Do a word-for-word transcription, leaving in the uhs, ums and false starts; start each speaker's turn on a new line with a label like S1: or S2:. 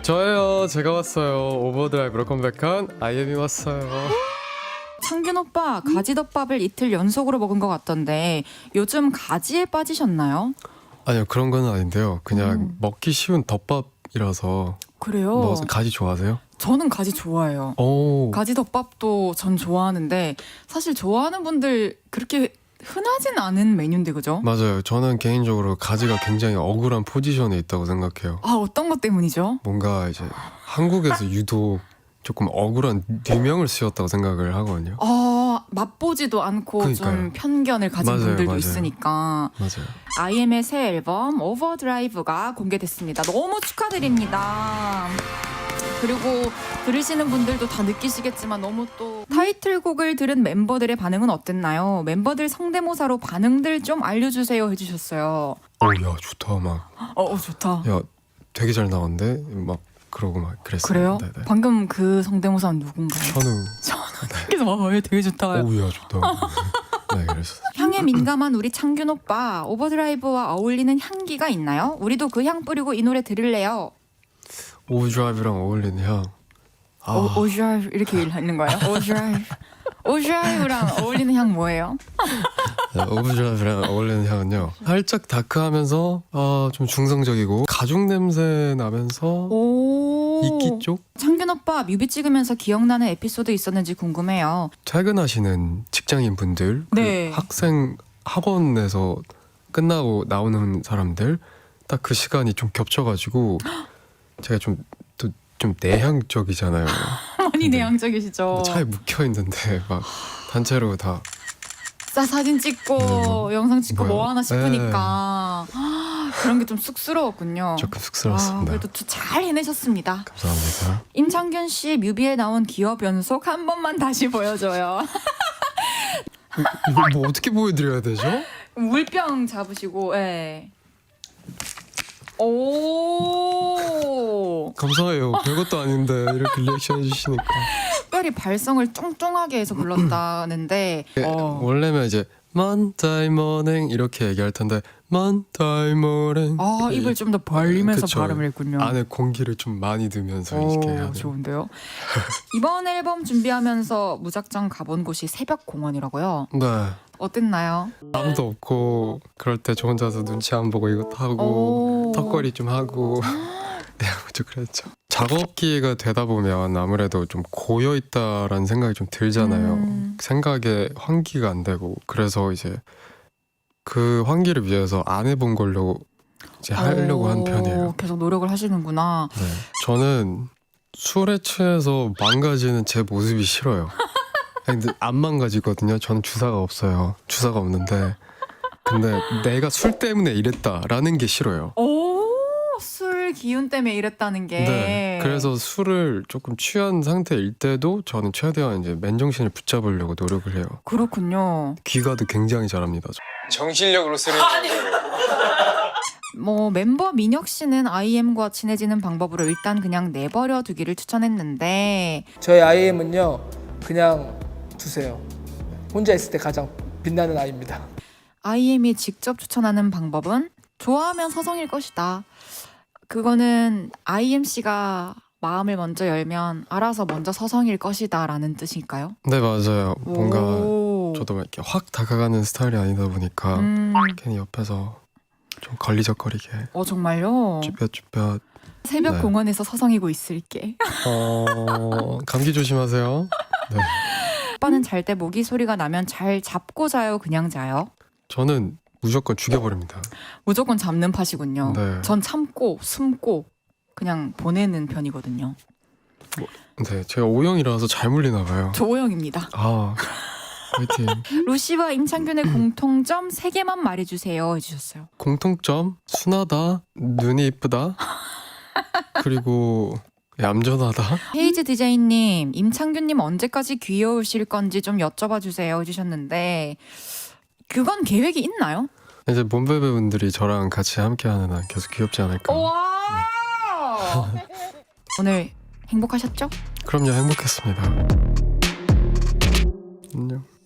S1: 저예요. 제가 왔어요. 오버드라이브로 컴백한 아이엠이 왔어요.
S2: 창균 오빠 가지덮밥을 이틀 연속으로 먹은 것 같던데 요즘 가지에 빠지셨나요?
S1: 아니요, 그런 건 아닌데요. 그냥
S2: 음.
S1: 먹기 쉬운 덮밥이라서.
S2: 그래요?
S1: 뭐 가지 좋아하세요?
S2: 저는 가지 좋아해요.
S1: 오.
S2: 가지덮밥도 전 좋아하는데 사실 좋아하는 분들 그렇게 흔하진 않은 메뉴인데 그죠?
S1: 맞아요. 저는 개인적으로 가지가 굉장히 억울한 포지션에 있다고 생각해요.
S2: 아 어떤 것 때문이죠?
S1: 뭔가 이제 한국에서 유독 조금 억울한 뉘명을 씌웠다고 생각을 하거든요.
S2: 아 맛보지도 않고
S1: 그러니까요.
S2: 좀 편견을 가진
S1: 맞아요,
S2: 분들도
S1: 맞아요.
S2: 있으니까.
S1: 맞아요.
S2: 아이엠의 새 앨범 오버드라이브가 공개됐습니다. 너무 축하드립니다. 그리고 들으시는 분들도 다 느끼시겠지만 너무 또 타이틀곡을 들은 멤버들의 반응은 어땠나요? 멤버들 성대모사로 반응들 좀 알려주세요 해주셨어요.
S1: 오야 좋다 막.
S2: 어, 어 좋다.
S1: 야 되게 잘 나왔는데 막 그러고 막 그랬어요.
S2: 그래요?
S1: 네네.
S2: 방금 그 성대모사는 누군가요?
S1: 현우.
S2: 그래서 와, 얘 되게 좋다.
S1: 오야 좋다. 네 그랬어.
S2: 향에 민감한 우리 창균 오빠 오버드라이브와 어울리는 향기가 있나요? 우리도 그 향 뿌리고 이 노래 들을래요.
S1: 오드라이브랑 어울리는 향. 아,
S2: 오, 오드라이브 이렇게 읽는 거예요? 오드라이브. 오드라이브랑 어울리는 향 뭐예요?
S1: 네, 오브드라이브랑 어울리는 향은요. 살짝 다크하면서 아, 좀 중성적이고 가죽 냄새 나면서
S2: 오.
S1: 이끼 쪽?
S2: 창균 오빠 뮤비 찍으면서 기억나는 에피소드 있었는지 궁금해요.
S1: 퇴근하시는 직장인 분들,
S2: 네.
S1: 그 학생 학원에서 끝나고 나오는 사람들 딱 그 시간이 좀 겹쳐가지고 제가 좀 또 좀 내향적이잖아요.
S2: 많이
S1: 네.
S2: 내향적이시죠.
S1: 차에 묵혀 있는데 막 단체로 다
S2: 싸 사진 찍고
S1: 네, 뭐,
S2: 영상 찍고
S1: 뭐야.
S2: 뭐 하나 싶으니까 아, 그런 게 좀 쑥스러웠군요.
S1: 조금
S2: 아,
S1: 쑥스러웠습니다.
S2: 그래도 잘 해내셨습니다.
S1: 감사합니다.
S2: 임창균 씨 뮤비에 나온 기업 연속 한 번만 다시 보여줘요.
S1: 이걸 뭐 어떻게 보여드려야 되죠?
S2: 물병 잡으시고, 예. 오.
S1: 감사해요. 별것도 아닌데 이렇게 리액션 해주시니까.
S2: 특별히 발성을 쫑쫑하게 해서 불렀다는데, 어.
S1: 원래면 이제 Monday morning 이렇게 얘기할 텐데 Monday morning.
S2: 아, 입을 좀 더 벌리면서
S1: 그쵸.
S2: 발음을 했군요.
S1: 안에 공기를 좀 많이 넣으면서 이렇게 해야
S2: 오,
S1: 돼요.
S2: 좋은데요? 이번 앨범 준비하면서 무작정 가본 곳이 새벽 공원이라고요.
S1: 네.
S2: 어땠나요?
S1: 아무도 없고 그럴 때 저 혼자서 눈치 안 보고 이것도 하고
S2: 오.
S1: 턱걸이 좀 하고 네, 아무튼 그랬죠. 작업 기회가 되다 보면 아무래도 좀 고여 있다라는 생각이 좀 들잖아요.
S2: 음.
S1: 생각에 환기가 안 되고 그래서 이제 그 환기를 위해서 안 해본 걸로 이제 하려고 한
S2: 오,
S1: 편이에요.
S2: 계속 노력을 하시는구나.
S1: 네. 저는 술에 취해서 망가지는 제 모습이 싫어요. 아니, 근데 안 망가지거든요. 저는 주사가 없어요. 주사가 없는데 근데 내가 술 때문에 이랬다라는 게 싫어요.
S2: 오, 술 기운 때문에 이랬다는 게.
S1: 네. 그래서 술을 조금 취한 상태일 때도 저는 최대한 이제 맨정신을 붙잡으려고 노력을 해요.
S2: 그렇군요.
S1: 귀가도 굉장히 잘합니다. 저.
S3: 정신력으로 쓰는
S2: 뭐 멤버 민혁 씨는 아이엠과 친해지는 방법으로 일단 그냥 내버려 두기를 추천했는데
S4: 저희 아이엠은요 그냥 두세요. 혼자 있을 때 가장 빛나는 아이입니다.
S2: 아이엠이 직접 추천하는 방법은 좋아하면 서성일 것이다. 그거는 아이엠 씨가 마음을 먼저 열면 알아서 먼저 서성일 것이다 라는 뜻일까요?
S1: 네 맞아요. 뭔가
S2: 오.
S1: 저도 막 이렇게 확 다가가는 스타일이 아니다 보니까
S2: 음,
S1: 괜히 옆에서 좀 걸리적거리게
S2: 어 정말요?
S1: 쭈뼛쭈뼛.
S2: 새벽
S1: 네.
S2: 공원에서 서성이고 있을게.
S1: 어... 감기 조심하세요. 네.
S2: 오빠는 잘 때 모기 소리가 나면 잘 잡고 자요, 그냥 자요?
S1: 저는 무조건 죽여버립니다.
S2: 무조건 잡는 파시군요.
S1: 네.
S2: 전 참고 숨고 그냥 보내는 편이거든요.
S1: 네, 제가 O형이라서 잘 물리나 봐요.
S2: 조호영입니다.
S1: 아, 화이팅.
S2: 루시와 임창균의 공통점 세 개만 말해주세요 해주셨어요.
S1: 공통점 순하다, 눈이 이쁘다, 그리고 얌전하다.
S2: 헤이즈 디제이님, 임창균님 언제까지 귀여우실 건지 좀 여쭤봐 주세요 해주셨는데 그건 계획이 있나요?
S1: 이제 몸베베 분들이 저랑 같이 함께하는 한 계속 귀엽지 않을까.
S2: 와 오늘 행복하셨죠?
S1: 그럼요, 행복했습니다.